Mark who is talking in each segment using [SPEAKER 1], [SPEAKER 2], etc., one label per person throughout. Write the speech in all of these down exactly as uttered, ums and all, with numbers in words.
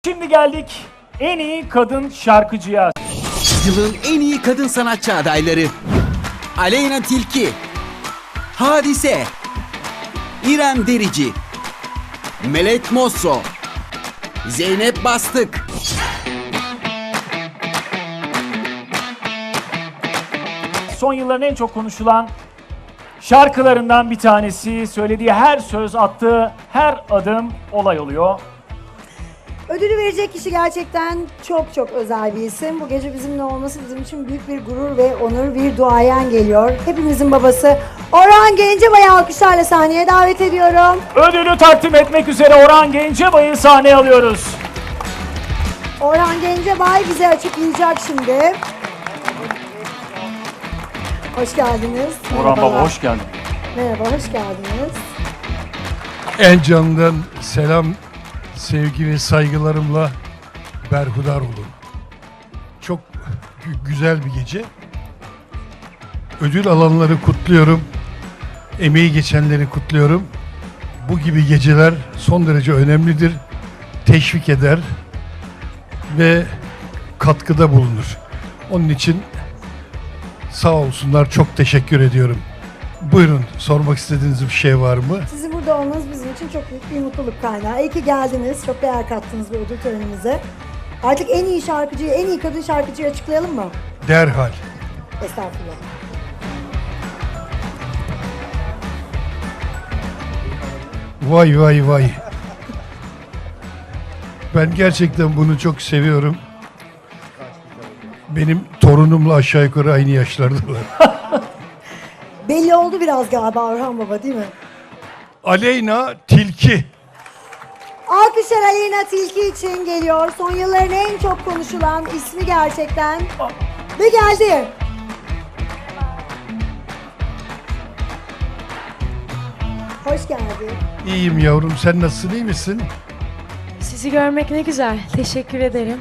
[SPEAKER 1] Şimdi geldik en iyi kadın şarkıcıya.
[SPEAKER 2] Yılın en iyi kadın sanatçı adayları: Aleyna Tilki, Hadise, İrem Derici, Melek Mosso, Zeynep Bastık.
[SPEAKER 1] Son yılların en çok konuşulan şarkılarından bir tanesi. Söylediği her söz, attığı her adım olay oluyor.
[SPEAKER 3] Ödülü verecek kişi gerçekten çok çok özel bir isim. Bu gece bizimle olması bizim için büyük bir gurur ve onur, bir duayen geliyor. Hepimizin babası Orhan Gencebay'ı alkışlarla sahneye davet ediyorum.
[SPEAKER 1] Ödülü takdim etmek üzere Orhan Gencebay'ı sahneye alıyoruz.
[SPEAKER 3] Orhan Gencebay bize açıklayacak şimdi. Hoş geldiniz.
[SPEAKER 1] Orhan Baba
[SPEAKER 3] Merhabalar.
[SPEAKER 1] hoş geldin.
[SPEAKER 3] Merhaba, hoş geldiniz.
[SPEAKER 4] En canından selam, sevgi ve saygılarımla berhudar olun. Çok gü- güzel bir gece. Ödül alanları kutluyorum. Emeği geçenleri kutluyorum. Bu gibi geceler son derece önemlidir. Teşvik eder ve katkıda bulunur. Onun için sağ olsunlar, çok teşekkür ediyorum. Buyurun, sormak istediğiniz bir şey var mı?
[SPEAKER 3] Sizin burada olmanız bizim için çok büyük bir mutluluk kaynağı. İyi ki geldiniz. Çok değer kattınız bu ödül törenimize. Artık en iyi şarkıcıyı, en iyi kadın şarkıcıyı açıklayalım mı?
[SPEAKER 4] Derhal.
[SPEAKER 3] Estağfurullah.
[SPEAKER 4] Vay vay vay. Ben gerçekten bunu çok seviyorum. Benim torunumla aşağı yukarı aynı yaşlardalar.
[SPEAKER 3] Belli oldu biraz galiba Orhan Baba, değil mi?
[SPEAKER 4] Aleyna Tilki.
[SPEAKER 3] Alkışlar Aleyna Tilki için geliyor. Son yılların en çok konuşulan ismi gerçekten. Ve geldi. Hoş geldin.
[SPEAKER 4] İyiyim yavrum, sen nasılsın, iyi misin?
[SPEAKER 5] Sizi görmek ne güzel. Teşekkür ederim.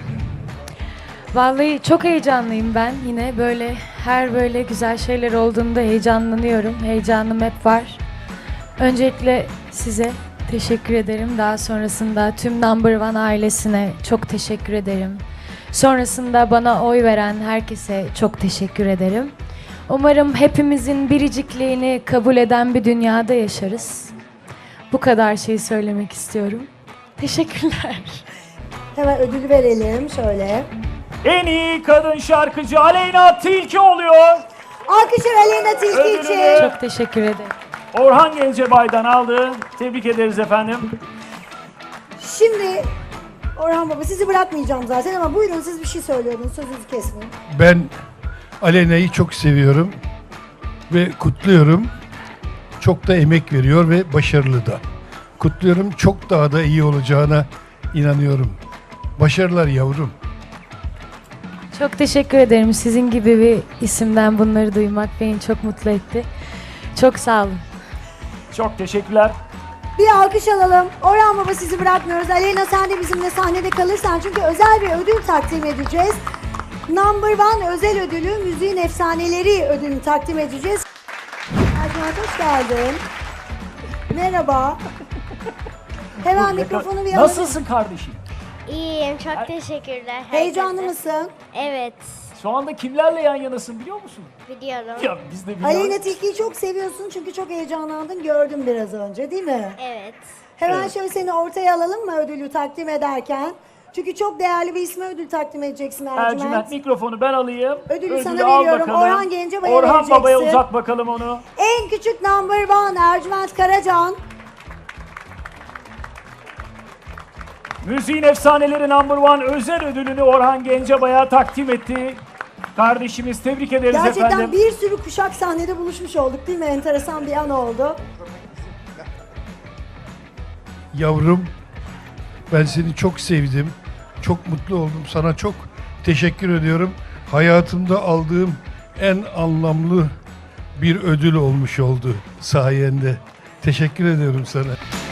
[SPEAKER 5] Vallahi çok heyecanlıyım ben. Yine böyle her böyle güzel şeyler olduğunda heyecanlanıyorum. Heyecanım hep var. Öncelikle size teşekkür ederim. Daha sonrasında tüm Number One ailesine çok teşekkür ederim. Sonrasında bana oy veren herkese çok teşekkür ederim. Umarım hepimizin biricikliğini kabul eden bir dünyada yaşarız. Bu kadar şey söylemek istiyorum. Teşekkürler.
[SPEAKER 3] Hemen ödülü verelim şöyle.
[SPEAKER 1] En iyi kadın şarkıcı Aleyna Tilki oluyor.
[SPEAKER 3] Alkışlar Aleyna Tilki
[SPEAKER 1] Ödülünü-
[SPEAKER 3] için.
[SPEAKER 5] Çok teşekkür ederim.
[SPEAKER 1] Orhan Gencebay'dan aldı. Tebrik ederiz efendim.
[SPEAKER 3] Şimdi Orhan Baba, sizi bırakmayacağım zaten ama buyurun, siz bir şey söylüyordunuz, sözünüzü kesmeyin.
[SPEAKER 4] Ben Aleyna'yı çok seviyorum ve kutluyorum. Çok da emek veriyor ve başarılı da. Kutluyorum, çok daha da iyi olacağına inanıyorum. Başarılar yavrum.
[SPEAKER 5] Çok teşekkür ederim. Sizin gibi bir isimden bunları duymak beni çok mutlu etti. Çok sağ olun.
[SPEAKER 1] Çok teşekkürler.
[SPEAKER 3] Bir alkış alalım. Orhan Baba, sizi bırakmıyoruz. Aleyna, sen de bizimle sahnede kalırsan çünkü özel bir ödül takdim edeceğiz. Number One özel ödülü, müziğin efsaneleri ödülünü takdim edeceğiz. Ercüment, hoş geldin. Merhaba. Hemen mikrofonu bir alalım.
[SPEAKER 1] Nasılsın kardeşim?
[SPEAKER 6] İyiyim, çok teşekkürler.
[SPEAKER 3] Heyecanlı
[SPEAKER 6] herkese.
[SPEAKER 3] mısın?
[SPEAKER 6] Evet,
[SPEAKER 1] Şu anda kimlerle yan yanasın biliyor musun?
[SPEAKER 6] biliyorum.
[SPEAKER 1] Ya biz de biliyoruz.
[SPEAKER 3] Aleyna Tilki'yi çok seviyorsun çünkü çok heyecanlandın, gördüm biraz önce, değil mi?
[SPEAKER 6] Evet.
[SPEAKER 3] Hemen
[SPEAKER 1] Evet.
[SPEAKER 3] şöyle seni ortaya alalım mı ödülü takdim ederken? Çünkü çok değerli bir isme ödül takdim edeceksin Ercüment.
[SPEAKER 1] Ercüment, mikrofonu ben alayım.
[SPEAKER 3] Ödülü sana
[SPEAKER 1] al
[SPEAKER 3] veriyorum.
[SPEAKER 1] bakalım.
[SPEAKER 3] Orhan Gencebay'a
[SPEAKER 1] Orhan
[SPEAKER 3] vereceksin.
[SPEAKER 1] Baba'ya uzat bakalım onu.
[SPEAKER 3] En küçük Number One Ercüment Karacan.
[SPEAKER 1] Müziğin efsaneleri Number One özel ödülünü Orhan Gencebay'a takdim etti. Kardeşimiz, tebrik ederiz
[SPEAKER 3] Gerçekten
[SPEAKER 1] efendim.
[SPEAKER 3] bir sürü kuşak sahnede buluşmuş olduk, değil mi? Enteresan bir an oldu.
[SPEAKER 4] Yavrum, ben seni çok sevdim. Çok mutlu oldum. Sana çok teşekkür ediyorum. Hayatımda aldığım en anlamlı bir ödül olmuş oldu sayende. Teşekkür ediyorum sana.